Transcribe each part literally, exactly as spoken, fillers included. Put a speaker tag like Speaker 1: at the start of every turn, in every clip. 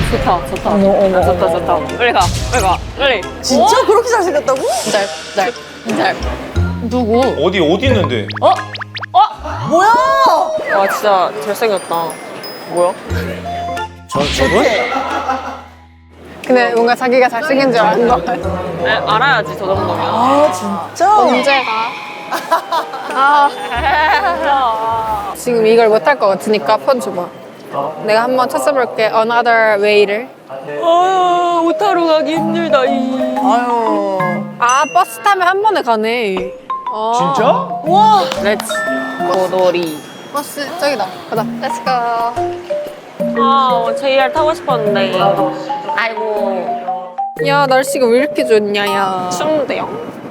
Speaker 1: 좋다, 좋다.
Speaker 2: 어머, 어머,
Speaker 1: 아, 좋다,
Speaker 2: 어머,
Speaker 1: 좋다.
Speaker 2: 어머.
Speaker 1: 빨리 가, 빨리 가, 빨리.
Speaker 2: 진짜 그렇게 잘생겼다고?
Speaker 1: 잘, 잘, 잘. 누구?
Speaker 3: 어디 어디 있는데?
Speaker 1: 어? 어?
Speaker 2: 뭐야?
Speaker 1: 와, 진짜 잘생겼다. 뭐야?
Speaker 4: 저, 저분?
Speaker 5: 근데 뭔가 자기가 잘생긴 줄 아는 거 같아.
Speaker 1: 에, 알아야지, 저 정도면.
Speaker 2: 아, 진짜?
Speaker 5: 언제 가? 아. 지금 이걸 못할 것 같으니까 폰 줘봐. 내가 한번 찾아볼게. Another way를.
Speaker 1: 아, 오타로 가기 힘들다, 이.
Speaker 2: 아유.
Speaker 5: 아, 버스 타면 한 번에 가네. 아.
Speaker 3: 진짜?
Speaker 2: 와.
Speaker 1: 렛츠 고돌이.
Speaker 5: 버스 저기다. 가자. Let's go.
Speaker 1: 아, 제이알 타고 싶었는데. 아이고.
Speaker 5: 야, 날씨가 왜 이렇게 좋냐, 야.
Speaker 1: 추운데요.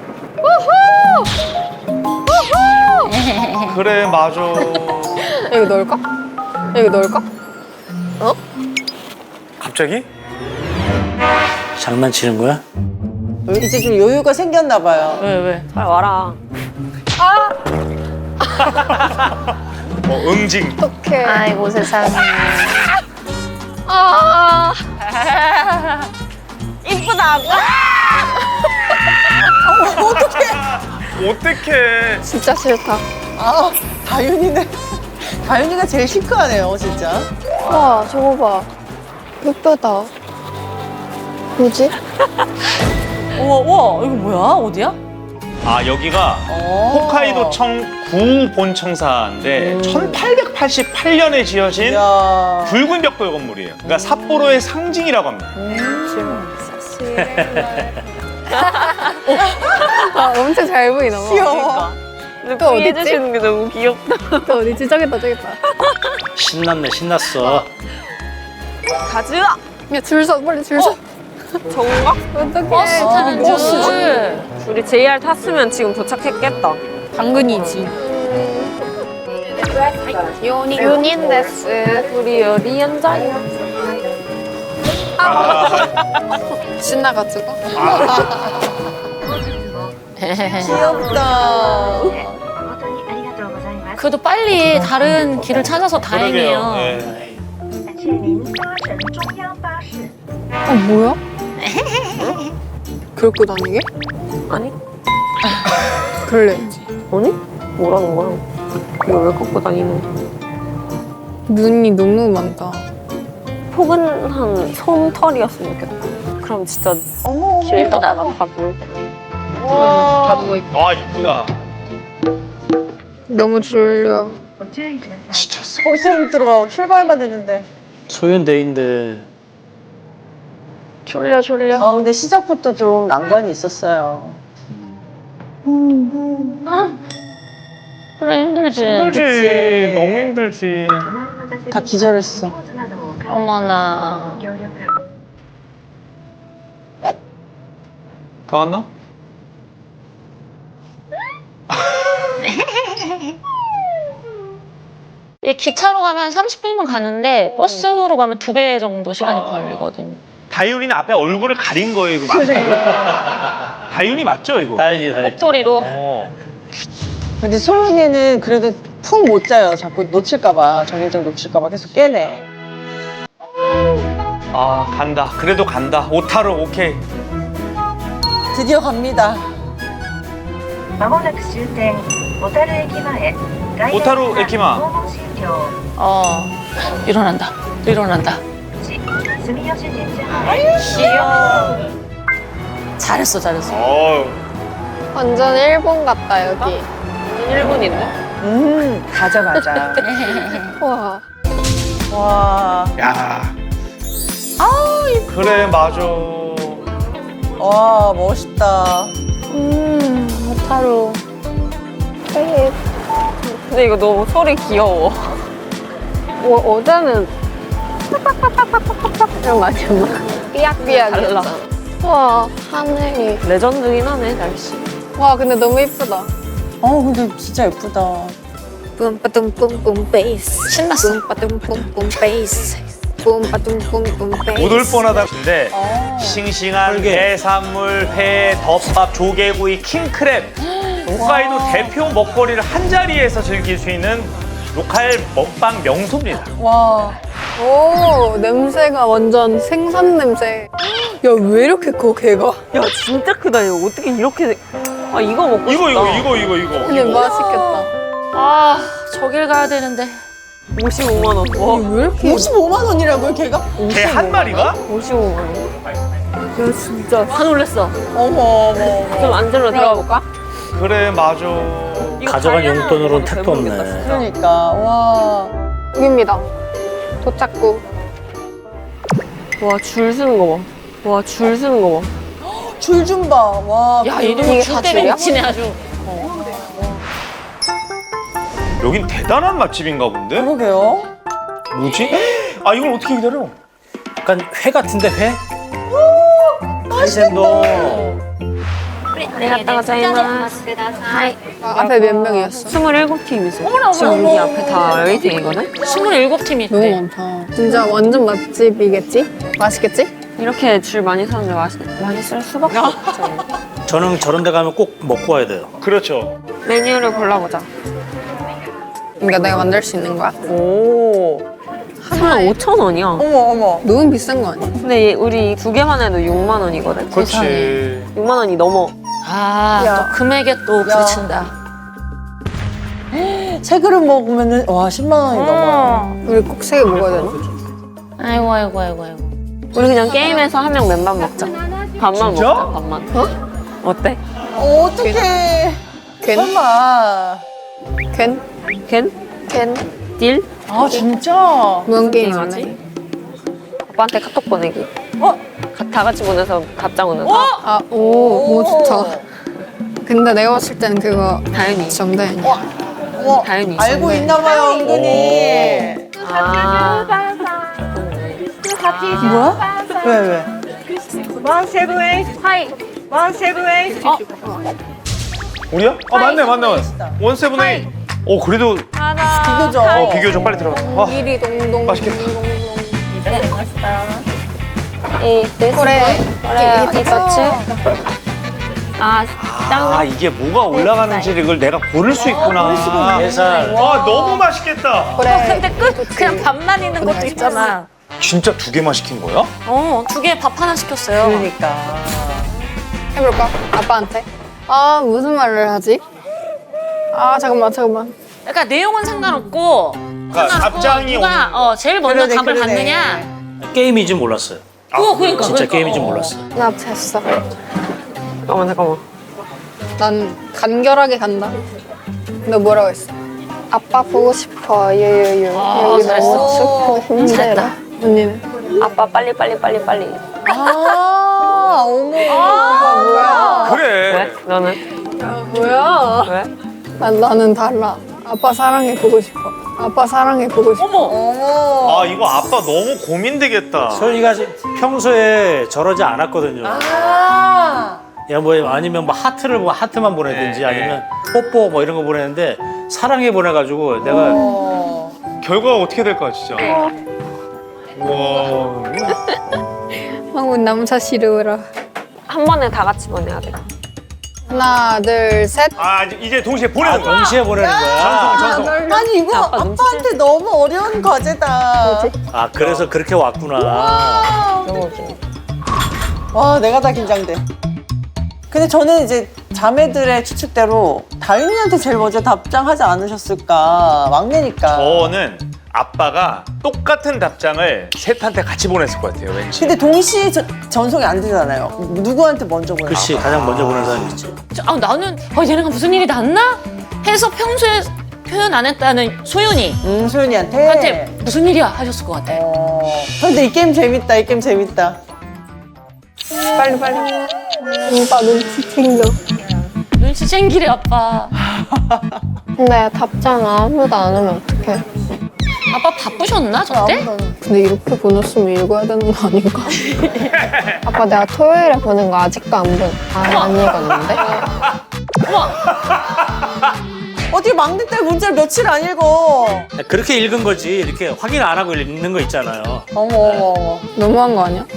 Speaker 3: 그래 맞아.
Speaker 5: 여기 넣을까? 여기 넣을까? 어?
Speaker 3: 갑자기?
Speaker 4: 장난치는 거야?
Speaker 2: 이제 좀 여유가 생겼나 봐요.
Speaker 1: 왜, 왜? 빨리 와라.
Speaker 3: 어 응징.
Speaker 5: 어떡해.
Speaker 1: 아이고, 세상에.
Speaker 5: 아.
Speaker 1: 이쁘다.
Speaker 3: 어떡해.
Speaker 5: 진짜 싫다.
Speaker 2: 아, 다윤이네. 다윤이가 제일 시크하네요, 진짜.
Speaker 5: 와, 저거 봐. 예쁘다. 뭐지?
Speaker 2: 우와, 우와, 이거 뭐야? 어디야?
Speaker 3: 아 여기가
Speaker 2: 어.
Speaker 3: 호카이도청 구본청사인데 천팔백팔십팔 년에 지어진
Speaker 2: 이야.
Speaker 3: 붉은 벽돌 건물이에요. 그러니까 삿포로의 상징이라고 합니다.
Speaker 5: 아, 엄청 잘 보이나 봐.
Speaker 2: 귀여워.
Speaker 1: 근데
Speaker 5: 또 어딨지?
Speaker 1: 해주시는 게 너무 귀엽다.
Speaker 5: 또 어디지? 저기다, 저기다.
Speaker 4: 신났네, 신났어.
Speaker 1: 가즈아!
Speaker 5: 야, 줄 서, 빨리 줄 서.
Speaker 1: 정각?
Speaker 5: 어떡해.
Speaker 1: 버스 타는
Speaker 2: 버스.
Speaker 1: 줄. 우리 제이알 탔으면 지금 도착했겠다.
Speaker 5: 당근이지. 요니, 요닌 데스.
Speaker 1: 우리 여기 앉아요.
Speaker 5: 신나가지고.
Speaker 2: 귀엽다.
Speaker 6: 그래도 빨리 다른 길을 찾아서 다행이에요.
Speaker 3: 그러게요. 네.
Speaker 5: 어, 뭐야? 그렇고 다니게?
Speaker 1: 아니?
Speaker 5: 그럴래야지.
Speaker 1: 아니? 뭐라는 거야? 이거 왜 갖고 다니는 거야?
Speaker 5: 눈이 너무 많다.
Speaker 1: 포근한 솜털이었으면 좋겠다. 그럼 진짜
Speaker 2: 어머,
Speaker 1: 길도 나가고.
Speaker 2: 와.
Speaker 3: 아 이쁘다.
Speaker 5: 너무 졸려.
Speaker 3: 진짜.
Speaker 2: 벌써 못 들어가. 출발만 했는데.
Speaker 4: 소윤대인데
Speaker 5: 졸려, 졸려.
Speaker 2: 아, 근데 시작부터 좀 난관이 있었어요.
Speaker 6: 그래 힘들지.
Speaker 3: 힘들지. 너무 힘들지.
Speaker 2: 다 기절했어.
Speaker 6: 어머나.
Speaker 3: 다 왔나?
Speaker 6: 이 기차로 가면 삼십 분이면 가는데 버스로 가면 두 배 정도 시간이 걸리거든요.
Speaker 3: 다윤이는 앞에 얼굴을 가린 거예요. 이거 맞나요? 다윤이 맞죠 이거?
Speaker 4: 다행이다, 다행이다.
Speaker 6: 목소리로.
Speaker 3: 어.
Speaker 2: 근데 소윤이는 그래도 푹 못 자요. 자꾸 놓칠까봐. 정일정 놓칠까봐 계속 깨네.
Speaker 3: 아 간다. 그래도 간다. 오타로 오케이.
Speaker 2: 드디어 갑니다.
Speaker 7: まもなく終点小樽駅前
Speaker 3: 小樽駅前
Speaker 7: 訪問診療
Speaker 6: 어 일어난다. 일어난다.
Speaker 7: 住吉神社前
Speaker 6: 잘했어, 잘했어.
Speaker 3: 어.
Speaker 5: 완전 일본 같다, 여기.
Speaker 1: 일본인데?
Speaker 2: 음, 가자, 가자.
Speaker 5: 와.
Speaker 2: 와.
Speaker 3: 야. 그래 맞아.
Speaker 2: 와, 멋있다.
Speaker 5: 음, 오타루. 되게,
Speaker 1: 근데 이거 너무 소리 귀여워.
Speaker 5: 어, 어제는 이런 거 아니었나? 삐약삐약이었잖아. 와, 하늘이.
Speaker 1: 레전드긴 하네, 날씨.
Speaker 5: 와, 근데 너무 이쁘다.
Speaker 2: 어, 근데 진짜 예쁘다.
Speaker 5: 뿜빠dum뿜뿜 베이스.
Speaker 6: 신났어.
Speaker 5: 뿜빠dum뿜뿜 베이스. 뿜빠dum뿜뿜 베이스.
Speaker 3: 못 올 뻔하다인데
Speaker 2: 어.
Speaker 3: 싱싱한
Speaker 4: 헐게.
Speaker 3: 해산물, 회, 덮밥, 조개구이, 킹크랩 홋카이도 대표 먹거리를 한 자리에서 즐길 수 있는 로컬 먹방 명소입니다.
Speaker 2: 와.
Speaker 5: 오, 냄새가 완전 생선 냄새. 야, 왜 이렇게 커, 걔가?
Speaker 1: 야 진짜 크다. 이거 어떻게 이렇게? 아 이거 먹고
Speaker 3: 이거
Speaker 1: 싶다.
Speaker 3: 이거 이거 이거 이거.
Speaker 5: 근데 맛있겠다.
Speaker 6: 아, 저길 가야 되는데.
Speaker 1: 오십오만 원. 와
Speaker 5: 왜 이렇게?
Speaker 2: 오십오만 원이라고요, 걔가?
Speaker 3: 개 한 마리가?
Speaker 1: 오십오만 원. 야 진짜.
Speaker 6: 다 놀랬어.
Speaker 2: 어머, 어머.
Speaker 1: 좀 안전으로 들어가 볼까?
Speaker 3: 그래 맞아.
Speaker 4: 가져간 용돈으로는 택도 없네.
Speaker 2: 그러니까, 와.
Speaker 5: 여기입니다. 도착구.
Speaker 1: 와 줄 서는 거 봐. 와 줄 서는 거 봐.
Speaker 2: 줄 좀 봐, 와.
Speaker 6: 야,
Speaker 5: 이게
Speaker 6: 이놈
Speaker 5: 다
Speaker 6: 줄 때문에
Speaker 5: 줄이야?
Speaker 6: 미치네 아주.
Speaker 3: 여긴 대단한 맛집인가 본데?
Speaker 2: 그러게요.
Speaker 3: 뭐지? 아 이걸 어떻게 기다려?
Speaker 4: 약간 회 같은데 회? 카이센동.
Speaker 5: 아, 앞에 몇 명이었어?
Speaker 1: 스물일곱 팀이세요.
Speaker 6: 어머나,
Speaker 1: 지금
Speaker 6: 어머나,
Speaker 1: 여기
Speaker 6: 어머.
Speaker 1: 앞에 다 웨이팅이거든?
Speaker 6: 스물일곱 팀이
Speaker 5: 너무
Speaker 6: 있대.
Speaker 5: 많다. 진짜 완전 맛집이겠지? 맛있겠지?
Speaker 1: 이렇게 줄 많이 서는데 맛있, 맛있을 수밖에 없죠.
Speaker 4: 저는 저런 데 가면 꼭 먹고 와야 돼요.
Speaker 3: 그렇죠.
Speaker 1: 메뉴를 골라보자.
Speaker 5: 그러니까 내가 만들 수 있는 거야.
Speaker 2: 오.
Speaker 1: 하나 오천 원이야.
Speaker 2: 어머, 어머.
Speaker 5: 너무 비싼 거 아니야?
Speaker 1: 근데 얘- 우리 두 개만 해도 육만 원이거든.
Speaker 3: 그렇지.
Speaker 1: 육만 원이 넘어.
Speaker 6: 아,
Speaker 2: 야.
Speaker 6: 또 금액에 또 부딪힌다.
Speaker 2: 세 그릇 먹으면은, 와, 십만 원이 넘어요.
Speaker 5: 우리 꼭 세 개 먹어야 되나?
Speaker 6: 아이고, 아이고, 아이고, 아이고.
Speaker 1: 우리 그냥 게임에서 한 명 맨밥 먹자. 밥만
Speaker 3: 진짜?
Speaker 1: 먹자, 밥만. 어? 어때?
Speaker 2: 어, 어떡해.
Speaker 5: 걘?
Speaker 2: 설마.
Speaker 5: 걘?
Speaker 1: 걘?
Speaker 5: 걘?
Speaker 1: 딜?
Speaker 2: 아, 진짜?
Speaker 5: 무슨 게임
Speaker 1: 게임하지?
Speaker 5: 하지?
Speaker 1: 오빠한테 카톡 보내기.
Speaker 2: 어?
Speaker 1: 가- 다 같이 보내서 답장 오는 거.
Speaker 5: 아, 오, 오, 좋다. 근데 내가 봤을 때는 그거
Speaker 1: 다현이.
Speaker 5: 정다현이야.
Speaker 2: 어머,
Speaker 1: 다현이.
Speaker 2: 알고 있나 봐요, 은근히.
Speaker 1: 아.
Speaker 2: 뭐야? 왜, 왜?
Speaker 3: 우리야? 아 맞네 맞네. 원세븐에잇. 어 그래도
Speaker 2: 비교적.
Speaker 3: 어 비교적 빨리 들어갔다. 아,
Speaker 5: 이리 동동.
Speaker 3: 맛있겠다.
Speaker 1: 이,
Speaker 5: 그래.
Speaker 1: 그래, 이거지? 아,
Speaker 3: 아 이게 뭐가 올라가는지 이걸 내가 고를 수 있구나.
Speaker 4: 예살.
Speaker 3: 와 너무 맛있겠다.
Speaker 5: 그래.
Speaker 6: 근데 끝 그냥 밥만 있는 것도 있잖아.
Speaker 3: 진짜 두 개만 시킨 거야?
Speaker 6: 어, 두 개 밥 하나 시켰어요.
Speaker 2: 그러니까.
Speaker 5: 해볼까? 아빠한테? 아, 무슨 말을 하지? 아, 잠깐만, 잠깐만.
Speaker 6: 그러니까 내용은 상관없고
Speaker 3: 그러니까
Speaker 6: 상관없고
Speaker 3: 답장이
Speaker 6: 누가 어, 제일 먼저
Speaker 2: 그러네,
Speaker 6: 답을
Speaker 2: 그러네.
Speaker 6: 받느냐.
Speaker 4: 게임인지 몰랐어요.
Speaker 6: 그거 그러니까
Speaker 4: 진짜
Speaker 6: 그러니까.
Speaker 4: 게임인지
Speaker 6: 어.
Speaker 4: 몰랐어요.
Speaker 5: 나 됐어.
Speaker 1: 잠깐만, 잠깐만.
Speaker 5: 난 간결하게 간다. 너 뭐라고 했어? 아빠 보고 싶어. 유유유.
Speaker 6: 아,
Speaker 5: 여기
Speaker 6: 잘했어.
Speaker 5: 너무 춥고 힘들어.
Speaker 6: 잘했다.
Speaker 5: 언니는?
Speaker 1: 아빠 빨리, 빨리, 빨리, 빨리.
Speaker 2: 아, 어머. 이거 뭐야?
Speaker 3: 그래.
Speaker 1: 왜? 너는?
Speaker 5: 뭐야?
Speaker 1: 왜?
Speaker 5: 난, 나는 달라. 아빠 사랑해 보고 싶어. 아빠 사랑해 보고 싶어.
Speaker 2: 어머.
Speaker 3: 아 이거 아빠 너무 고민되겠다.
Speaker 4: 소연이가 평소에 저러지 않았거든요.
Speaker 2: 아.
Speaker 4: 야, 뭐 아니면 뭐 하트를 뭐 하트만 보내든지
Speaker 3: 네,
Speaker 4: 아니면 뽀뽀 뭐 이런 거 보내는데 사랑해 보내가지고 내가
Speaker 2: 어.
Speaker 3: 결과가 어떻게 될까 진짜. 와.
Speaker 5: 한국 남자 싫어라.
Speaker 1: 한 번에 다 같이 보내야 돼.
Speaker 5: 하나, 둘, 셋.
Speaker 3: 아 이제- 이제 동시에
Speaker 4: 아,
Speaker 3: 보내는 거야.
Speaker 4: 동시에 보내는 거야.
Speaker 3: 전송 전송.
Speaker 2: 아니, 이거
Speaker 1: 아빠 눈치
Speaker 2: 아빠한테 너무 어려운 과제다.
Speaker 4: 아, 그래서 그렇게 왔구나.
Speaker 1: 너무 웃기네.
Speaker 2: 와, 내가 다 긴장돼. 근데 저는 이제 자매들의 추측대로 다윤이한테 제일 먼저 답장하지 않으셨을까. 막내니까.
Speaker 3: 저는 아빠가 똑같은 답장을 셋한테 같이 보냈을 것 같아요 왠지.
Speaker 2: 근데 동시에 저- 전송이 안 되잖아요. 누구한테 먼저 보내?
Speaker 4: 그렇지, 가장 먼저 보낸 사람이 있지.
Speaker 6: 아, 나는 아, 얘네가 무슨 일이 났나? 해서 평소에 표현 안 했다는 소윤이
Speaker 2: 음, 소연이한테.
Speaker 6: 한테 무슨 일이야 하셨을 것 같아.
Speaker 2: 어. 근데 이 게임 재밌다. 이 게임 재밌다.
Speaker 5: 빨리, 빨리. 오빠 눈치 챙겨.
Speaker 6: 눈치 챙기래 아빠.
Speaker 5: 근데 답장 아무도 안 오면 어떡해.
Speaker 6: 아빠 바쁘셨나 저때?
Speaker 5: 근데 이렇게 보냈으면 읽어야 되는 거 아닌가? 아빠 내가 토요일에 보낸 거 아직도 안 본, 아, 안 읽었는데?
Speaker 2: 어떻게 막내 딸 문자를 며칠 안 읽어?
Speaker 4: 그렇게 읽은 거지. 이렇게 확인 안 하고 읽는 거 있잖아요.
Speaker 2: 어머, 어머, 어머.
Speaker 5: 너무한 거 아니야?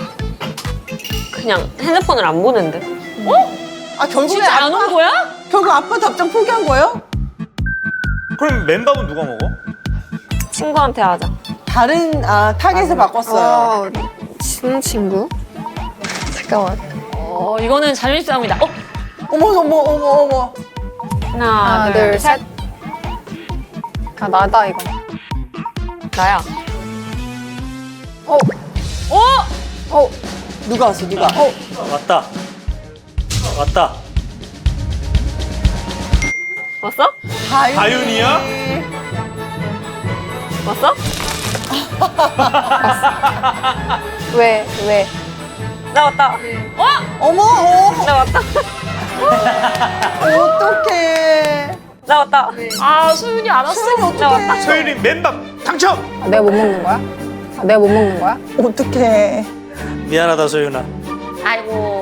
Speaker 1: 그냥 핸드폰을 안 보는데.
Speaker 2: 아, 결국에
Speaker 6: 진짜 안
Speaker 2: 아빠,
Speaker 6: 온 거야?
Speaker 2: 결국 아빠 답장 포기한 거예요?
Speaker 3: 그럼 맨밥은 누가 먹어?
Speaker 1: 친구한테 하자.
Speaker 2: 다른 아 타겟을 바꿨어요.
Speaker 5: 어, 친한 친구? 잠깐만.
Speaker 6: 어, 이거는 자존심 싸움이다. 어?
Speaker 2: 어머 어머 어머 어머.
Speaker 1: 하나,
Speaker 5: 하나, 둘, 셋. 아, 나다, 이거.
Speaker 1: 나야.
Speaker 5: 어,
Speaker 1: 어?
Speaker 5: 어,
Speaker 2: 누가 왔어 누가? 어.
Speaker 4: 왔다. 왔다.
Speaker 1: 왔어?
Speaker 2: 다윤.
Speaker 3: 다윤이야?
Speaker 1: 왔어?
Speaker 5: 왜, 왜?
Speaker 1: 나 왔다.
Speaker 2: 어머 어.
Speaker 1: 나 왔다.
Speaker 2: 어떡해.
Speaker 1: 나 왔다. 아, 소윤이 안 왔어? 나 왔다.
Speaker 3: 소윤이 맨밥 당첨!
Speaker 5: 아, 내가 못 먹는 거야? 아, 내가 못 먹는 거야?
Speaker 2: 어떡해.
Speaker 4: 미안하다 소윤아.
Speaker 6: 아이고.